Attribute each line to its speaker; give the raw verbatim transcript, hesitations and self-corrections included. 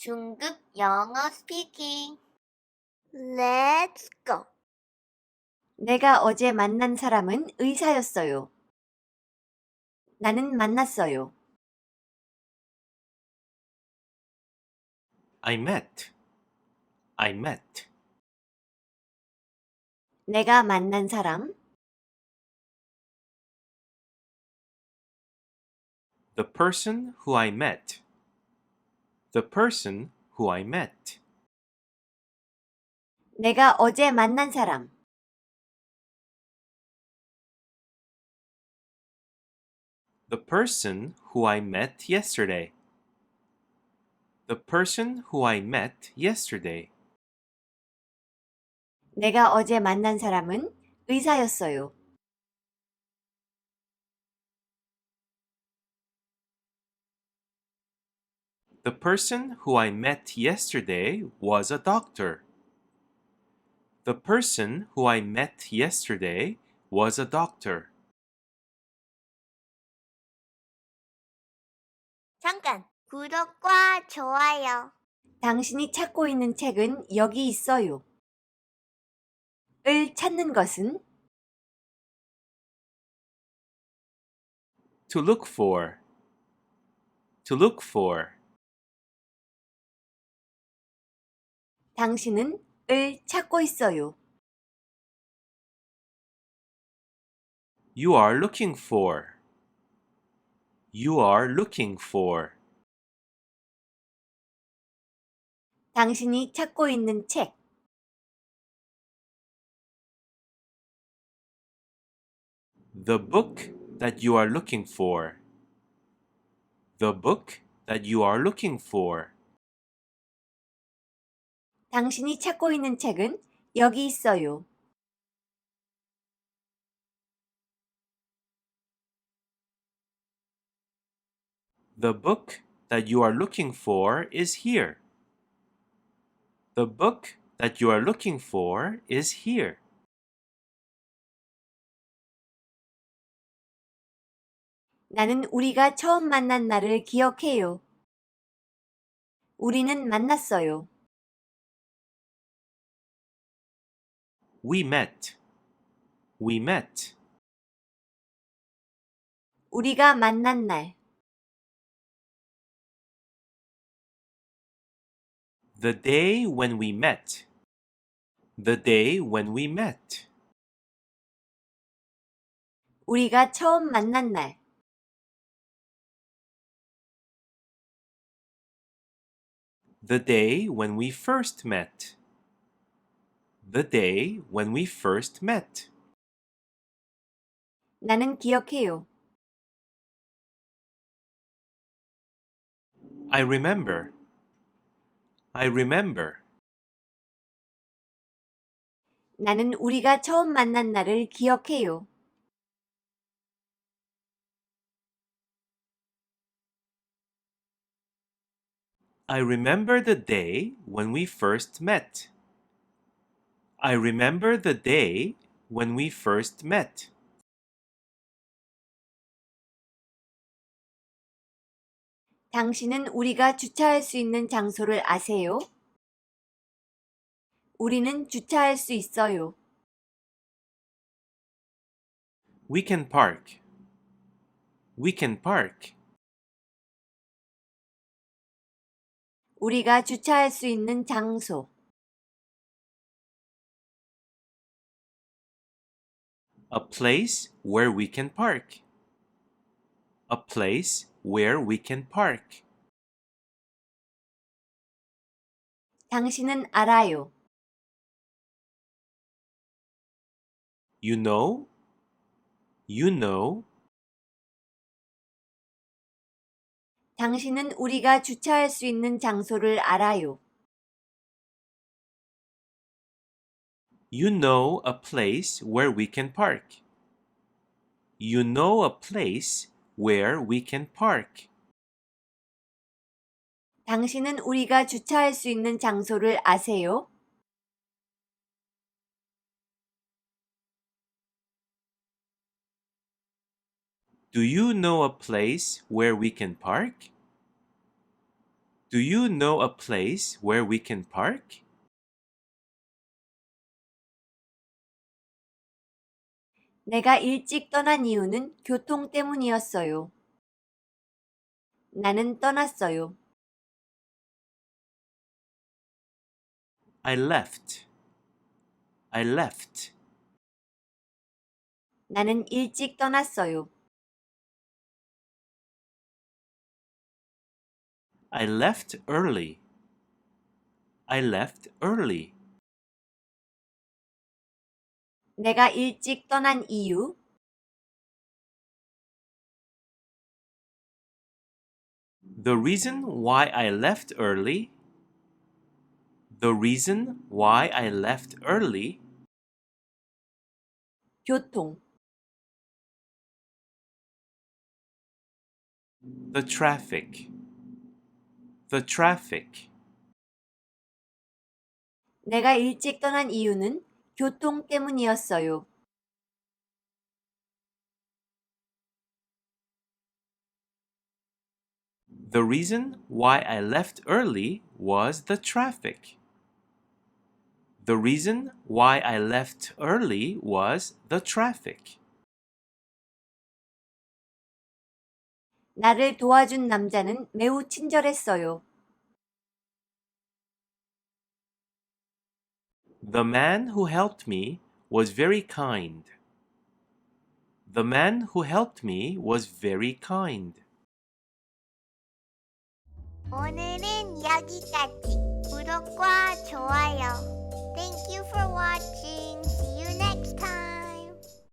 Speaker 1: 중급 영어 스피킹. Let's go.
Speaker 2: 내가 어제 만난 사람은 의사였어요. 나는 만났어요.
Speaker 3: I met. I met.
Speaker 2: 내가 만난 사람,
Speaker 3: The person who I met. The person who I met.
Speaker 2: 내가 어제 만난 사람,
Speaker 3: The person who I met yesterday. The person who I met yesterday.
Speaker 2: 내가 어제 만난 사람은 의사였어요.
Speaker 3: The person who I met yesterday was a doctor. The person who I met yesterday was a doctor.
Speaker 1: 잠깐, 구독과 좋아요.
Speaker 2: 당신이 찾고 있는 책은 여기 있어요. 을 찾는 것은
Speaker 3: To look for. To look for.
Speaker 2: 당신은 을 찾고 있어요.
Speaker 3: You are looking for. You are looking for.
Speaker 2: 당신이 찾고 있는 책,
Speaker 3: The book that you are looking for. The book that you are looking for.
Speaker 2: 당신이 찾고 있는 책은 여기 있어요.
Speaker 3: The book that you are looking for is here. The book that you are looking for is here.
Speaker 2: 나는 우리가 처음 만난 날을 기억해요. 우리는 만났어요.
Speaker 3: We met. We met.
Speaker 2: 우리가 만난 날,
Speaker 3: The day when we met. The day when we met.
Speaker 2: 우리가 처음 만난 날,
Speaker 3: The day when we first met. The day when we first met.
Speaker 2: 나는 기억해요.
Speaker 3: I remember. I remember.
Speaker 2: 나는 우리가 처음 만난 날을 기억해요.
Speaker 3: I remember the day when we first met. I remember the day when we first met.
Speaker 2: 당신은 우리가 주차할 수 있는 장소를 아세요? 우리는 주차할 수 있어요.
Speaker 3: We can park. We can park.
Speaker 2: 우리가 주차할 수 있는 장소,
Speaker 3: A place where we can park. A place where we can park.
Speaker 2: 당신은 알아요.
Speaker 3: You know? You know?
Speaker 2: 당신은 우리가 주차할 수 있는 장소를 알아요.
Speaker 3: You know a place where we can park. You know a place where we can park.
Speaker 2: 당신은 우리가 주차할 수 있는 장소를 아세요?
Speaker 3: Do you know a place where we can park? Do you know a place where we can park?
Speaker 2: 내가 일찍 떠난 이유는 교통 때문이었어요. 나는 떠났어요.
Speaker 3: I left. I left.
Speaker 2: 나는 일찍 떠났어요.
Speaker 3: I left early. I left early.
Speaker 2: 내가 일찍 떠난 이유?
Speaker 3: The reason why I left early. The reason why I left early.
Speaker 2: 교통.
Speaker 3: The traffic. The traffic.
Speaker 2: 내가 일찍 떠난 이유는 교통 때문이었어요.
Speaker 3: The reason why I left early was the traffic. The reason why I left early was the traffic.
Speaker 2: 나를 도와준 남자는 매우 친절했어요.
Speaker 3: The man who helped me was very kind. The man who helped me was very kind.
Speaker 1: 오늘은 여기까지. 구독과 좋아요. Thank you for watching.